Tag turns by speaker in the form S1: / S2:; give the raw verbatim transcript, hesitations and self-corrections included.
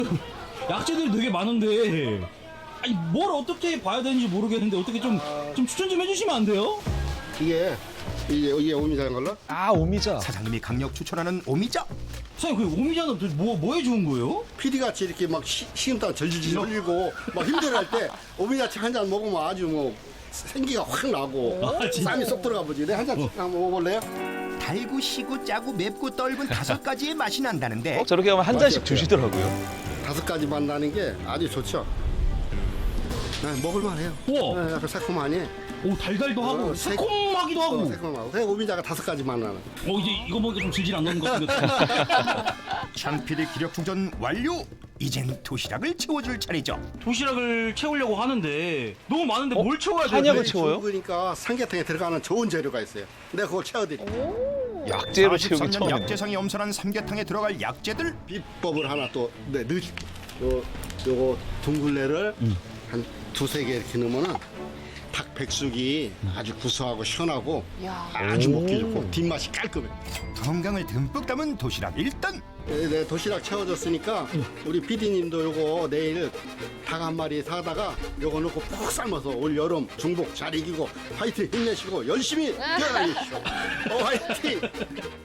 S1: 약재들이 되게 많은데 아니 뭘 어떻게 봐야 되는지 모르겠는데 어떻게 좀, 좀 추천 좀 해주시면 안 돼요?
S2: 이게 이게 이게 오미자인 걸로?
S3: 아 오미자.
S4: 사장님이 강력 추천하는 오미자.
S1: 사장님 그 오미자는 도대체 뭐, 뭐에 좋은 거예요?
S2: 피디같이 이렇게 막 시- 식은땀 절질질 흘리고 막 힘들어할 때 오미자차 한 잔 먹으면 아주 뭐 생기가 확 나고
S1: 아, 진짜?
S2: 쌈이 쏙 들어가 보지. 내 한 잔 한번 먹어볼래요?
S4: 달고 시고 짜고 맵고 떫은 다섯 가지의 맛이 난다는데
S3: 어, 저렇게 하면 한 잔씩
S2: 맞아요.
S3: 주시더라고요.
S2: 다섯 가지 맛 나는 게 아주 좋죠. 네, 먹을만해요.
S1: 우와.
S2: 네, 약간 새콤하니.
S1: 오 달달도 하고
S2: 어, 새-
S1: 새콤하기도 하고
S2: 어, 새콤하고. 그냥 오미자가 다섯 가지 맛 나는.
S1: 어 이제 이거 보니까 좀 질질 안 나는 것 같은데
S4: 창피디 기력 충전 완료. 이젠 도시락을 채워줄 차례죠.
S1: 도시락을 채우려고 하는데 너무 많은데
S3: 어?
S1: 뭘 채워야 돼요?
S3: 한약을
S1: 도대체?
S3: 채워요?
S2: 그러니까 삼계탕에 들어가는 좋은 재료가 있어요. 내가 그걸 채워드릴게요.
S3: 약재로 채우기
S4: 사십삼 년
S3: 처음이네.
S4: 약재상이 엄선한 삼계탕에 들어갈 약재들.
S2: 비법을 하나 또 네, 넣. 요 요거 둥글레를 한 두세 개 이렇게 넣으면은 닭 백숙이 아주 구수하고 시원하고 아주 먹기 좋고 뒷맛이 깔끔해.
S4: 건강을 듬뿍 담은 도시락 일단.
S2: 네, 네, 도시락 채워줬으니까 우리 피디님도 요거 내일 닭 한 마리 사다가 요거 넣고 푹 삶아서 올 여름 중복 잘 이기고 화이팅 힘내시고 열심히 뛰어다니십시오. 어, 화이팅!